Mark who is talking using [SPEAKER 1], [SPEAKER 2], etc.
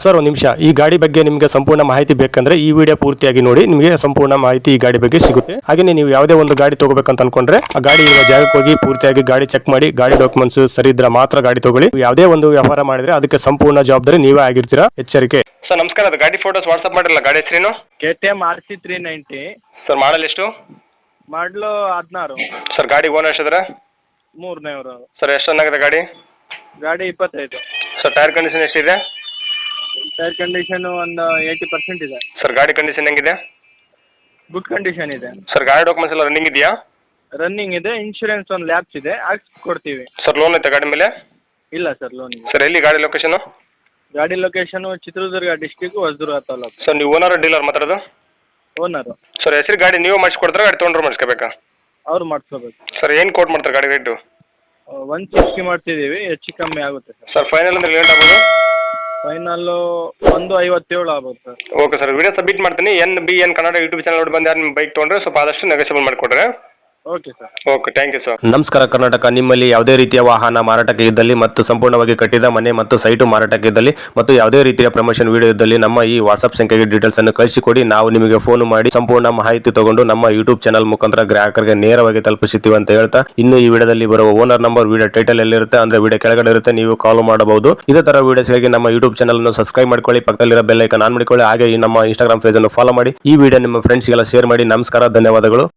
[SPEAKER 1] Sir ಒಂದು ನಿಮಿಷ, ಈ ಗಾಡಿ ಬಗ್ಗೆ ನಿಮಗೆ ಸಂಪೂರ್ಣ ಮಾಹಿತಿ ಬೇಕಂದ್ರೆ ಈ ವಿಡಿಯೋ ಪೂರ್ತಿಯಾಗಿ ನೋಡಿ, ನಿಮಗೆ ಸಂಪೂರ್ಣ ಮಾಹಿತಿ ಈ ಗಾಡಿ ಬಗ್ಗೆ ಸಿಗುತ್ತೆ. ಹಾಗೆ ನೀವು ಯಾವುದೇ ಒಂದು ಗಾಡಿ ತಗೋಬೇಕಂತ ಅನ್ಕೊಂಡ್ರೆ ಆ ಗಾಡಿ ಇರುವ ಜಾಗಕ್ಕೆ ಹೋಗಿ ಪೂರ್ತಿಯಾಗಿ ಗಾಡಿ ಚೆಕ್ ಮಾಡಿ, ಗಾಡಿ ಡಾಕ್ಯುಮೆಂಟ್ಸ್ ಸರಿ ಇದ್ರೆ ಮಾತ್ರ ಗಾಡಿ ತಗೊಳ್ಳಿ. ಯಾವುದೇ ಒಂದು ವ್ಯವಹಾರ ಮಾಡಿದ್ರೆ ಅದಕ್ಕೆ ಸಂಪೂರ್ಣ ಜವಾಬ್ದಾರಿ ನೀವೇ ಆಗಿರ್ತೀರಾ, ಎಚ್ಚರಿಕೆ. ಸರ್ ನಮಸ್ಕಾರ, ಅದು ಗಾಡಿ ಫೋಟೋಸ್ ವಾಟ್ಸ್ಆಪ್ ಮಾಡಿರಲ್ಲ, ಗಾಡಿ ಹೆಸರೇನು?
[SPEAKER 2] KTM RC390.
[SPEAKER 1] ಸರ್ ಮಾಡಲ್ ಎಷ್ಟು?
[SPEAKER 2] ಮಾಡಲು 16.
[SPEAKER 1] ಸರ್ ಗಾಡಿ ಓನರ್ ಎಷ್ಟಿದ್ರೆ?
[SPEAKER 2] 300.
[SPEAKER 1] ಸರ್ ಎಷ್ಟು ಚೆನ್ನಾಗಿದೆ ಗಾಡಿ?
[SPEAKER 2] ಗಾಡಿ 25.
[SPEAKER 1] ಸರ್ ಟೈರ್ ಕಂಡೀಷನ್ ಎಷ್ಟಿದೆ?
[SPEAKER 2] ಟೈರ್ ಕಂಡೀಷನ್ ಒಂದು 80% ಇದೆ.
[SPEAKER 1] ಸರ್ ಗಾಡಿ ಕಂಡೀಷನ್ ಹೆಂಗಿದೆ?
[SPEAKER 2] ಗುಡ್ ಕಂಡೀಷನ್ ಇದೆ.
[SPEAKER 1] ಸರ್ ಗಾಡಿ ಡಾಕ್ಯುಮೆಂಟ್ಸ್ ಎಲ್ಲ ರನ್ನಿಂಗ್ ಇದೆಯಾ?
[SPEAKER 2] ರನ್ನಿಂಗ್ ಇದೆ. ಇನ್ಶೂರೆನ್ಸ್ ಒಂದು ಲ್ಯಾಬ್ಸ್ ಇದೆ, ಕೊಡ್ತೀವಿ.
[SPEAKER 1] ಸರ್ ಲೋನ್ ಐತೆ ಗಾಡಿ ಮೇಲೆ?
[SPEAKER 2] ಇಲ್ಲ ಸರ್, ಲೋನ್ ಇದೆ.
[SPEAKER 1] ಸರ್ ಎಲ್ಲಿ ಗಾಡಿ ಲೊಕೇಶನ್?
[SPEAKER 2] ಗಾಡಿ location Chitradurga district, Hosadurga taluk.
[SPEAKER 1] Sir ನೀವು ಓನರ್ ಡೀಲರ್ ಮಾತಾಡೋದು?
[SPEAKER 2] ಓನರು.
[SPEAKER 1] ಸರ್ ಹೆಸರು ಗಾಡಿ ನೀವು ಮಾಡಿಸ್ಕೊಡ್ತಾರೆ, ಗಾಡಿ ತೊಗೊಂಡ್ರೆ ಮಾಡಿಸ್ಕೋಬೇಕಾ?
[SPEAKER 2] ಅವ್ರು ಮಾಡಿಸ್ಕೋಬೇಕು.
[SPEAKER 1] ಸರ್ ಏನು ಕೋಟ್ ಮಾಡ್ತಾರೆ ಗಾಡಿ ರೇಟು?
[SPEAKER 2] 160 ಮಾಡ್ತಿದ್ದೀವಿ, ಹೆಚ್ಚು ಕಮ್ಮಿ ಆಗುತ್ತೆ ಸರ್.
[SPEAKER 1] ಸರ್ ಫೈನಲ್ ಅಂದ್ರೆ ಲೇಟ್ ಆಗ್ಬೋದು?
[SPEAKER 2] ಫೈನಲ್ಲು 157 ಆಗ್ಬೋದು sir.
[SPEAKER 1] Okay sir, video submit ಮಾಡ್ತೀನಿ. NBN ಕನ್ನಡ ಯೂಟ್ಯೂಬ್ ಚಾನಲ್ ನೋಡಿ ಬಂದು ಯಾರು ನಿಮ್ಮ ಬೈಕ್ ತೊಗೊಂಡ್ರೆ ಸ್ವಲ್ಪ ಆದಷ್ಟು ನೆಗೋಸಿಯಬಲ್ ಮಾಡಿಕೊಡ್ರೆ.
[SPEAKER 2] Okay sir.
[SPEAKER 1] Okay, thank you sir. ನಮಸ್ಕಾರ ಕರ್ನಾಟಕ. ನಿಮ್ಮಲ್ಲಿ ಯಾವುದೇ ರೀತಿಯ ವಾಹನ ಮಾರಾಟಕ್ಕೆ ಇದ್ದಲ್ಲಿ ಮತ್ತು ಸಂಪೂರ್ಣವಾಗಿ ಕಟ್ಟಿದ ಮನೆ ಮತ್ತು ಸೈಟು ಮಾರಾಟಕ್ಕೆ ಇದ್ದಲ್ಲಿ ಮತ್ತು ಯಾವುದೇ ರೀತಿಯ ಪ್ರಮೋಷನ್ ವಿಡಿಯೋ ಇದ್ದಲ್ಲಿ ನಮ್ಮ ಈ ವಾಟ್ಸ್ಆಪ್ ಸಂಖ್ಯೆಗೆ ಡೀಟೇಲ್ಸ್ ಅನ್ನು ಕಳಿಸಿಕೊಡಿ. ನಾವು ನಿಮಗೆ ಫೋನ್ ಮಾಡಿ ಸಂಪೂರ್ಣ ಮಾಹಿತಿ ತಗೊಂಡು ನಮ್ಮ ಯೂಟ್ಯೂಬ್ ಚಾನಲ್ ಮುಖಾಂತರ ಗ್ರಾಹಕರಿಗೆ ನೇರವಾಗಿ ತಲುಪಿಸುತ್ತೀವಿ ಅಂತ ಹೇಳ್ತಾ, ಇನ್ನು ಈ ವಿಡಿಯೋದಲ್ಲಿ ಬರುವ ಓನರ್ ನಂಬರ್ ವಿಡಿಯೋ ಟೈಟಲ್ ಎಲ್ಲಿರುತ್ತೆ ಅಂದ್ರೆ ವಿಡಿಯೋ ಕೆಳಗಡೆ ಇರುತ್ತೆ, ನೀವು ಕಾಲ್ ಮಾಡಬಹುದು. ಇದೇ ತರ ವಿಡಿಯೋಸ್ಗಾಗಿ ನಮ್ಮ ಯೂಟ್ಯೂಬ್ ಚಾನಲ್ ಅನ್ನು ಸಬ್ಸ್ಕ್ರೈಬ್ ಮಾಡ್ಕೊಳ್ಳಿ, ಪಕ್ಕದಲ್ಲಿರೋ ಬೆಲ್ ಐಕಾನ್ ಆನ್ ಮಾಡಿಕೊಳ್ಳಿ. ಹಾಗೆ ಈ ನಮ್ಮ ಇನ್ಸ್ಟಾಗ್ರಾಮ್ ಪೇಜ್ ಅನ್ನು ಫಾಲೋ ಮಾಡಿ. ಈ ವಿಡಿಯೋ ನಿಮ್ಮ ಫ್ರೆಂಡ್ಸ್ಗೆಲ್ಲ ಶೇರ್ ಮಾಡಿ. ನಮಸ್ಕಾರ, ಧನ್ಯವಾದಗಳು.